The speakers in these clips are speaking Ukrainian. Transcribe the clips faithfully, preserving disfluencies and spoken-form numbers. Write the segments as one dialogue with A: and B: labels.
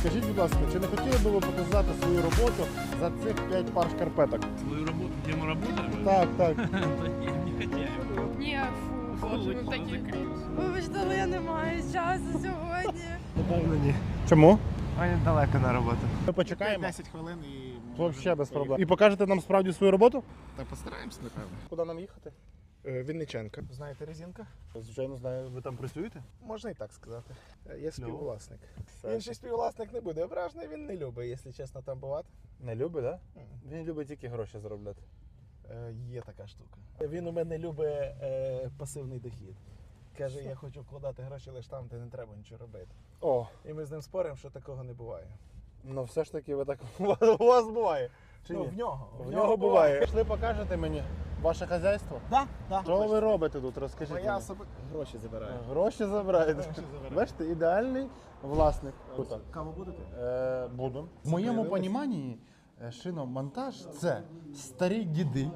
A: Скажіть, будь ласка, чи не хотіли б ви показати свою роботу за цих п'ять пар шкарпеток?
B: Свою работу, где мы работаем?
A: Так, так.
B: Да не, не хотели.
C: Ні, фу, боже, ви такі. Вибачте, але я не маю часу сьогодні.
D: Напевно, ні.
A: Чому?
D: Мені далеко на роботу.
A: Ми почекаємо.
D: десять хвилин і...
A: Взагалі без проблем. І покажете нам справді свою роботу?
D: Та постараємось, напевно.
A: Куди нам їхати?
D: Вінниченка. Знаєте резинка?
A: Звичайно, знаю. Ви там працюєте?
D: Можна і так сказати. Я співвласник.
A: Все.
D: Інший співвласник не буде ображений, він не любить, якщо чесно, там бувати.
A: Не любить, так? Да? Він любить тільки гроші заробляти.
D: Е, є така штука. Він у мене любить е, пасивний дохід. Каже, я хочу вкладати гроші лише там, де не треба нічого робити.
A: О,
D: І ми з ним споримо, що такого не буває.
A: ну все ж таки ви так у вас буває. Чи
D: Ну,
A: ні?
D: в нього.
A: В нього буває. Пішли покажете мені ваше хазяйство?
D: Так, так.
A: Що ви робите тут? Розкажіть
D: Я
A: мені.
D: собі гроші забираю.
A: Гроші забираєте.
D: Гроші забираю.
A: Бачите, ідеальний власник. Круто.
D: Каву будете?
A: Е, Будемо. В моєму розумінні шиномонтаж – це старі діди,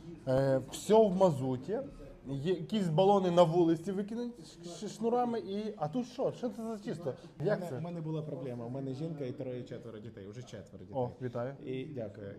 A: е, все в мазуті, є якісь балони на вулиці викинуть ш- шнурами і... А тут що? Що це за чисто?
D: У
A: Як
D: мене, у
A: це?
D: мене була проблема. У мене жінка і троє-четверо дітей. Уже четверо дітей.
A: О, вітаю.
D: І дякую.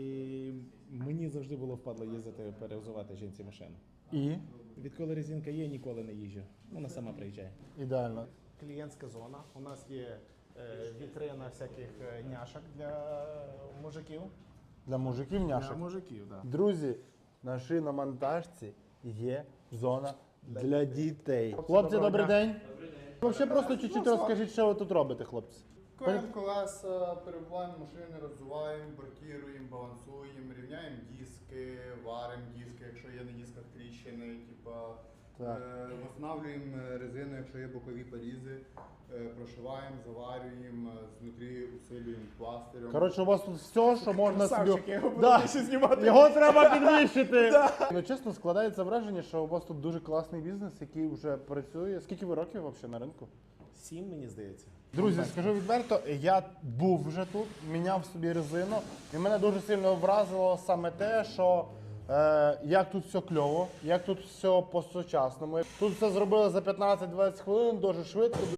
D: І мені завжди було впадло їздити перевзувати жінці машину.
A: І?
D: Відколи резинка є, ніколи не їжджу. Вона сама приїжджає.
A: Ідеально.
D: Клієнтська зона. У нас є е, вітрина всяких е, няшок для мужиків.
A: Для мужиків
D: Для
A: няшок.
D: мужиків, так.
A: Друзі, на шиномонтажці є зона для дітей. Хлопці,
D: доброго
A: добрий
D: дня.
A: день. Взагалі просто чуть-чуть розкажіть, що ви тут робите, хлопці.
E: Коємо колеса, перебуваємо машини, розвиваємо, бракіруємо, балансуємо, рівняємо диски, варимо диски, якщо є на дисках тріщини, типа,
A: Так.
E: е, встановлюємо резину, якщо є бокові порізи, е, прошиваємо, заварюємо, е, знутрі усилюємо пластирем.
A: Коротше, у вас тут все, що можна собі...
D: Красавчик, я його буду
A: Да.
D: більше знімати.
A: Його треба підвищити. Ну, чесно, складається враження, що у вас тут дуже класний бізнес, який вже працює. Скільки ви років взагалі на ринку?
D: Сім, мені здається.
A: Друзі, скажу відверто, я був вже тут, міняв собі резину, і мене дуже сильно вразило саме те, що е, як тут все кльово, як тут все по-сучасному. Тут все зробили за п'ятнадцять-двадцять хвилин, дуже швидко.